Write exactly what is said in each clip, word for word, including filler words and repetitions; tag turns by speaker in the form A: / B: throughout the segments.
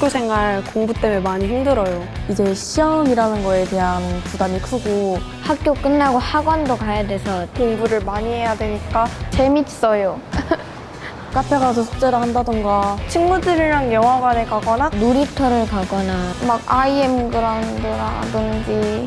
A: 학교 생활 공부 때문에 많이 힘들어요.
B: 이제 시험이라는 거에 대한 부담이 크고
C: 학교 끝나고 학원도 가야 돼서
D: 공부를 많이 해야 되니까 재밌어요.
B: 카페 가서 숙제를 한다던가
D: 친구들이랑 영화관에 가거나
C: 놀이터를 가거나
D: 막 아이엠 그라운드라든지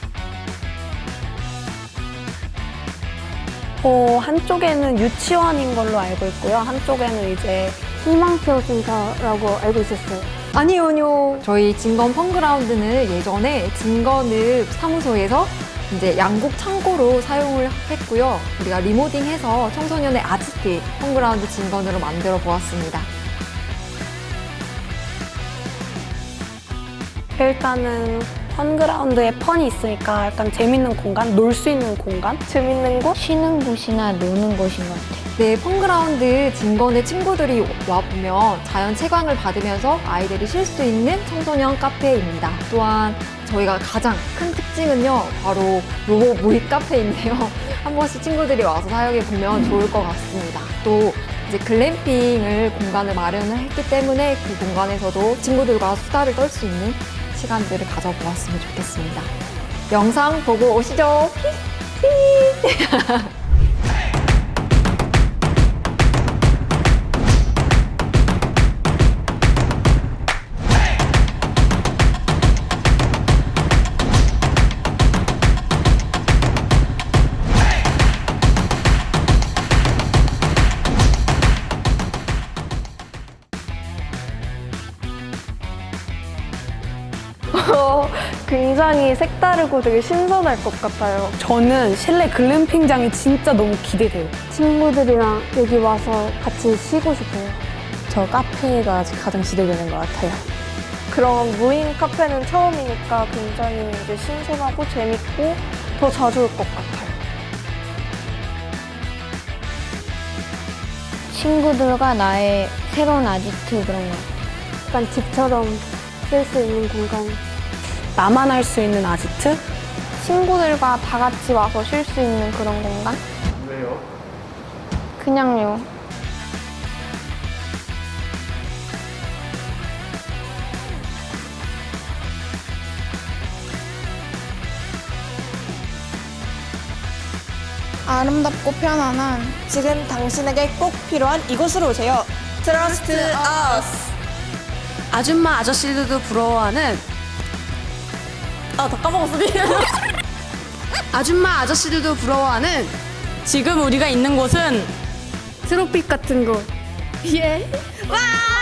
A: 어, 한쪽에는 유치원인 걸로 알고 있고요. 한쪽에는 이제
D: 희망표 센터라고 알고 있었어요.
A: 아니요, 아니요.
E: 저희 진건 펀그라운드는 예전에 진건읍 사무소에서 이제 양국 창고로 사용을 했고요. 우리가 리모딩해서 청소년의 아지트 펀그라운드 진건으로 만들어 보았습니다.
A: 일단은 펀그라운드에 펀이 있으니까 약간 재밌는 공간, 놀 수 있는 공간?
D: 재밌는 곳?
C: 쉬는 곳이나 노는 곳인 것 같아요.
E: 네, 펀그라운드 진건의 친구들이 와보면 자연 채광을 받으면서 아이들이 쉴 수 있는 청소년 카페입니다. 또한 저희가 가장 큰 특징은요, 바로 로봇 모의 카페인데요. 한 번씩 친구들이 와서 사용해 보면 좋을 것 같습니다. 또 이제 글램핑을 공간을 마련을 했기 때문에 그 공간에서도 친구들과 수다를 떨 수 있는 시간들을 가져보았으면 좋겠습니다. 영상 보고 오시죠.
D: 어, 굉장히 색다르고 되게 신선할 것 같아요.
A: 저는 실내 글램핑장이 진짜 너무 기대돼요.
D: 친구들이랑 여기 와서 같이 쉬고 싶어요.
B: 저 카페가 가장 기대되는 것 같아요.
D: 그런 무인 카페는 처음이니까 굉장히 이제 신선하고 재밌고 더 자주 올 것 같아요.
C: 친구들과 나의 새로운 아지트 그런 거.
D: 약간 집처럼 쓸 수 있는 공간.
A: 나만 할 수 있는 아지트?
D: 친구들과 다 같이 와서 쉴 수 있는 그런 공간?
F: 왜요?
D: 그냥요.
G: 아름답고 편안한 지금 당신에게 꼭 필요한 이곳으로 오세요. Trust us.
H: 아줌마 아저씨들도 부러워하는
G: 아, 다 까먹었어.
H: 아줌마 아저씨들도 부러워하는 지금 우리가 있는 곳은
D: 트로피 같은 거.
G: 예. 와!